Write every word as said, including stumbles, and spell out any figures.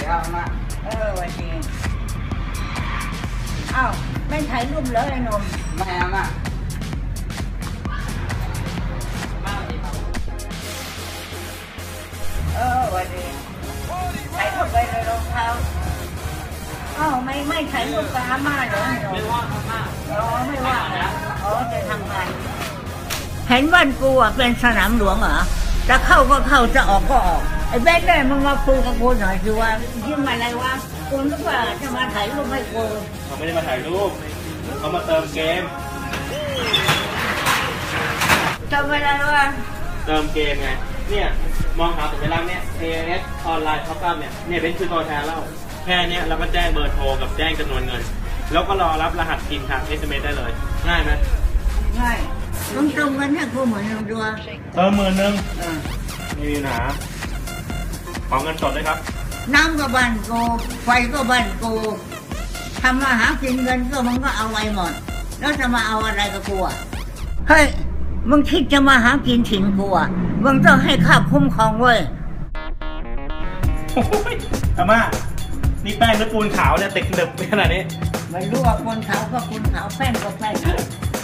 ครับมาเออวันนี้อ้าวไม่ถ่ายรูปเลยไอ้นมไม่เอามาเออวันนี้ใส่เข้าไปในรองเท้าอ้าวไม่ไม่ถ่ายรูปกับอาม่าเหรอไม่ว่าอาม่าอ๋อไม่ว่านะอ๋อจะทำงานเห็นบ้านกูอ่ะเป็นสนามหลวงเหรอจะเข้าก็เข้าจะออกก็ออกไอ้แบงค์เนี่ยมึงมาคุยกับกูหน่อยคือว่ายิ่งมาอะไรวะกูนึกว่าจะมาถ่ายรูปให้กูเขาไม่ได้มาถ่ายรูปเขามาเติมเกมทำอะไรวะเติมเกมไงเนี่ยมองหาสัญลักษณ์เนี่ย เอ เอส ออนไลน์ท็อปอัพเนี่ยเนี่ยเป็นคือตัวแทนแล้วแค่นี้เราก็แจ้งเบอร์โทรกับแจ้งจำนวนเงินแล้วก็รอรับรหัสพินทาง เอส เอ็ม เอส ได้เลยง่ายไหมง่ายมึงตรงกันให้กูเหมือนเราด้วยเติมหมื่นหนึ่งไม่มีปัญหาขอเงินสดเลยครับน้ำก็บ้านกูไฟก็บ้านกูทำมาหากินเงินก็มึงก็เอาไว้หมดแล้วจะมาเอาอะไรกับกูอ่ะเฮ้ยมึงคิดจะมาหากินถิ่นกูอ่ะมึงต้องให้ข้าคุ้มครองเว้ยอาม่านี่แป้งหรือปูนขาวเนี่ยติดหนึบขนาดนี้ไม่รู้ว่าปูนขาวก็ปูนขาวแป้งก็แป้ง